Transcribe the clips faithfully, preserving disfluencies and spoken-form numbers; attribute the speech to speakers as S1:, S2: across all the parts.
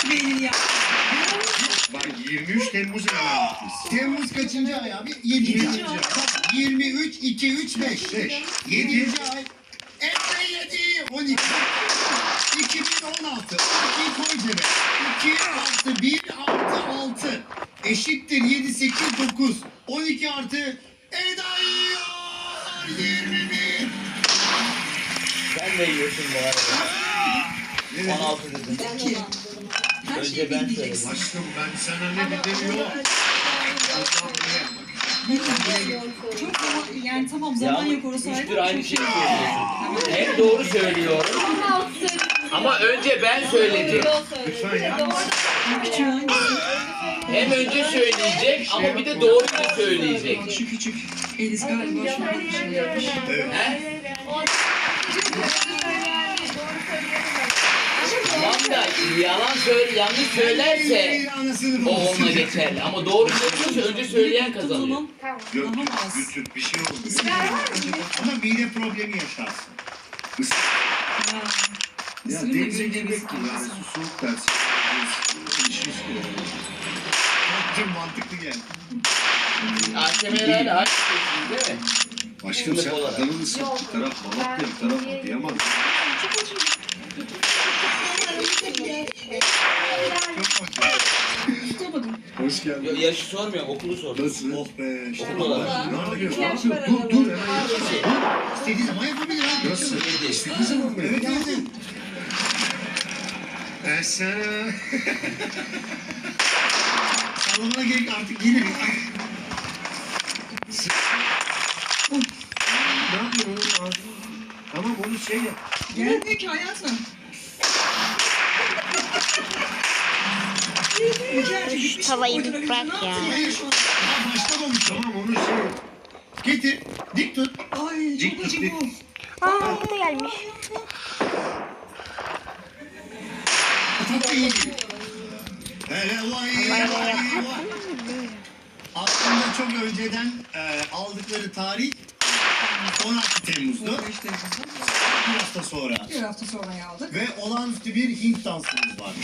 S1: Nasıl beynini yaptın?
S2: Bak yirmi üç Temmuz ayındayız.
S3: Temmuz kaçıncı ay abi? Yedinci ay. yirmi üç, iki, üç, beş.
S2: Beş.
S3: Yedinci ay. Ekle yedi. on iki. iki bin on altı. iki koy cebe. iki artı bir artı altı. Eşittir yedi, sekiz, dokuz. on iki artı Eda yiyor. yirmi bir.
S4: Sen de yiyorsun bu arada.
S2: Evet.
S4: on altı dedim.
S1: Dedim ki. Her
S4: Önce
S1: şeyi
S4: ben
S1: bilmeyeceksin.
S2: Aşkım ben sana ne dedim yok.
S1: Çok zaman, yani tamam
S4: Ya
S1: zaman
S4: ama
S1: yok orası ayrı.
S4: üçtür
S1: ama
S4: aynı
S1: çok
S4: şeyi
S1: şey
S4: söylüyorsun. Hem doğru söylüyorum. Ama önce ben söyledim.
S2: Lütfen ya.
S1: Küçük hangisi?
S4: Hem önce söyleyecek ama bir de doğru da söyleyecek.
S1: Bak şu küçük. Eliz galiba şurada bir şey yapmış.
S4: He? Tamam da yalan söyle, yanlış söylerse
S3: Anasını
S4: o onunla geçerli. Ama doğru söylüyorsa önce söyleyen
S1: O
S4: kazanıyor.
S1: zaman
S2: Yok
S1: daha az.
S2: götür bir şey oldu.
S3: Ama mide problemi yaşarsın.
S2: Isır.
S1: Ha.
S2: Ya
S1: Isırınca
S2: denize
S1: böyle
S2: girmek
S1: bir
S2: gibi yani
S1: sıkıntı.
S2: su soğuk dersin. İşi istiyor.
S3: Çok mantıklı geldi.
S4: A K M'lerle aynı şeysin değil mi?
S2: Aşkım sen
S4: Sınıf olarak.
S2: adamın ısırt bir taraf Malatya bir taraf Adıyaman.
S1: Tutamadım.
S2: Hoş geldin.
S4: Yo, yaşı sormuyorum, okulu sordum.
S2: Nasıl?
S3: Oh be. İşte
S4: Okul olarak.
S2: Nerede görüyorsun? Ne yapıyorsun? Dur dur hemen yapıyorsun.
S3: İstediği zaman yapabilir abi.
S2: Nasıl?
S4: Yedi.
S2: İstediği zaman mı?
S3: Evet evet.
S2: Ben sana...
S3: Sallamana gerek artık yine.
S2: Ne yapıyorsun oğlum? Tamam onu şey yap.
S1: Gelmiyor ki hayatım.
S5: Şu tavayı bir bırak ya.
S3: Daha başlamamış.
S2: Tamam onu şey yap.
S3: Getir. Dik tut.
S1: Ay
S2: Dik
S1: çok
S2: tut,
S1: acı
S2: dik.
S1: bu.
S5: Aa bu da gelmiş.
S3: Tatlı iyi değil. Hele vay vay vay. Aslında çok önceden e, aldıkları tarih on altı Temmuz'du.
S1: on beş Temmuz'da.
S3: Bir hafta sonra.
S1: Bir hafta sonra aldık.
S3: Ve olağanüstü bir Hint dansımız var.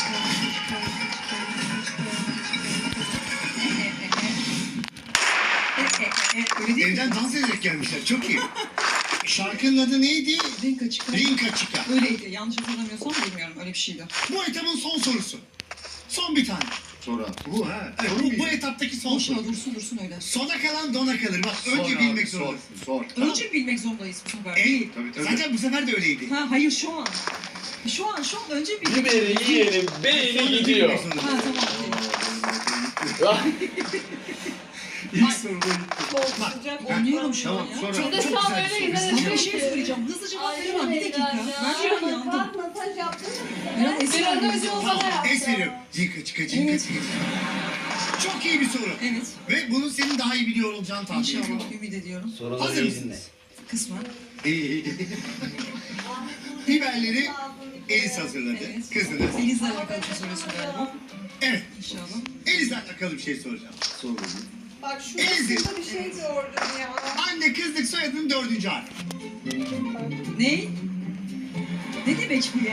S1: Öyle değil mi?
S3: Evden dans ederek gelmişler. Çok iyi. Şarkının adı neydi?
S1: Rinka çıkar.
S3: Rinka Chica.
S1: Öyleydi. Yanlış hatırlamıyorsam bilmiyorum. Öyle bir şeydi.
S3: Bu etapın son sorusu. Son bir tane.
S2: Sonra. Bu ha.
S3: Evet,
S2: Soru
S3: bu,
S2: mu?
S3: bu etaptaki son
S1: Boşuna
S3: soru.
S1: dursun dursun öyle.
S3: Sona kalan dona kalır. Bak
S2: Sor
S3: önce
S2: abi,
S3: bilmek
S2: sor,
S3: zorundasın.
S2: Sor.
S1: Önce bilmek zorundayız bu sefer.
S3: Ey,
S2: Tabii, tabii.
S3: zaten bu sefer de öyleydi.
S1: Ha hayır şu an. Şu an şu an önce bilmek
S4: Biberi yiyelim, beyni
S3: Sonra
S4: gidiyor.
S3: bilmek
S1: Ha
S3: zorundasın.
S1: tamam.
S2: İlk soruda gitti.
S1: Anlıyorum şu
S3: Tamam,
S1: an ya.
S3: sonra
S1: Çok
S3: çok
S1: da
S3: güzel bir soru.
S1: Ama bir şey söyleyeceğim. Hızlıca cevap veremem. Bir dakika. Ben şu an yandım. Ben Esra gibi
S3: Tamam, es veriyorum. Cinka çıka cinka
S1: Evet.
S3: çıka. Çok iyi bir soru.
S1: Evet.
S3: Ve bunu senin daha iyi biliyor olacağını tahmin ediyorum.
S1: İnşallah ümit ediyorum.
S4: Soruları
S3: Hazır
S4: iyi dinle.
S3: mısınız?
S1: Kısmen.
S3: İyi. Biberleri Elis hazırladı.
S1: Evet.
S3: Kızınız.
S1: Denizle alakalı bir soruyorsun galiba.
S3: Evet.
S1: İnşallah.
S3: Elis'le alakalı bir şey soracağım.
S2: Sor bakayım.
S6: Bak
S3: Elzi.
S6: şurasında bir şey gördüm ya.
S3: Anne kızlık soyadının dördüncü harfi.
S1: Ne? Ne demek bu ya?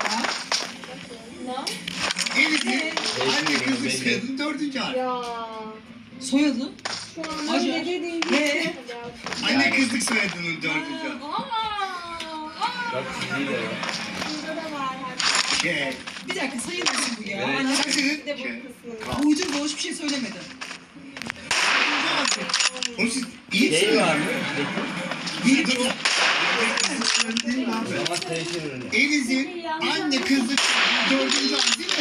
S3: Elis'in
S1: Evet.
S3: anne kızlık
S4: Belli.
S3: soyadının dördüncü harfi.
S6: Ya.
S1: Soyadı?
S6: Şu an
S1: Acar.
S6: ne dediğini
S1: Ne?
S3: Anne kızlık soyadının dördüncü harfi.
S4: Bak çizgiyi de var.
S6: Burada da var.
S3: K.
S1: Bir dakika sayılmasın bu ya.
S4: Evet.
S1: Anne,
S3: Sizin
S6: Bir de bu
S3: K.
S6: kısmında.
S1: uydum boş bir şey söylemedi.
S3: Oğlum siz iyi
S4: Şey
S3: misiniz?
S4: var mı?
S3: Bir dur.
S4: Ama teşhir ürünü.
S3: Elis'in anne kızlık dördüncü harfi değil mi?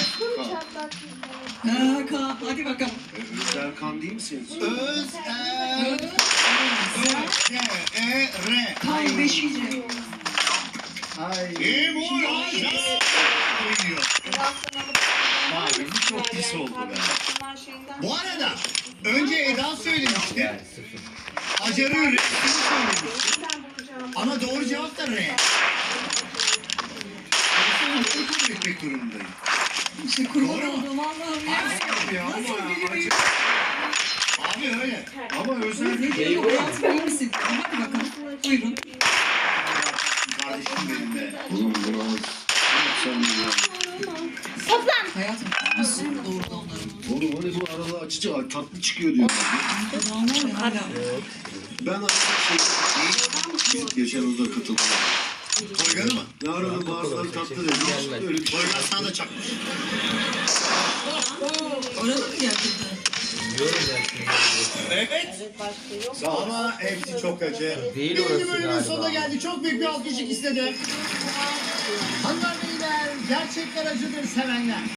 S1: Ha, Ka, hadi bakalım.
S2: Özerkan değil misiniz?
S3: Öz, er, Ö, R, E, R.
S1: Tam beşinci.
S2: Ay.
S3: Emur Acar. Uyuyor.
S2: Abi bu çok pis oldu be.
S3: Bu arada önce Eda söylemişti.
S4: Yani sıfır.
S3: Acar'ın resmini söylemişti. Ama doğru cevap da R. Bunu kabul etmek durumundayım.
S1: İşte kurban
S3: Doğru mu?
S1: olduğum Allah'ım ya.
S2: Abi ya
S1: Nasıl
S2: ama
S1: biri büyük?
S3: Abi öyle.
S2: ama özel
S1: Ne diyor bu hayatım iyi misin? Hadi bakalım. Buyurun.
S3: Kardeşim benim be.
S2: Oğlum biraz sen ya.
S5: Toplan.
S1: Hayatım nasıl doğurdu onları?
S2: Oğlum hani bu arada açıcı tatlı çıkıyor diyor.
S1: Kulağına hala.
S2: Ben arada şey... Geçen hafta katıldım.
S3: Toygan'ı mı?
S2: Ne arada bazıları tatlı dedi. Öyle bir şey.
S3: Toygan sana da çakmış.
S1: Arada mı gerçekten?
S4: Biliyorum ben şimdi.
S3: Evet. Ama hepsi çok acı.
S4: Değil
S3: Birinci
S4: orası
S3: bölümün
S4: galiba.
S3: sonuna geldi. Çok büyük bir alkış ikisi de. Hanımlar beyler, gerçekler acıdır sevenler.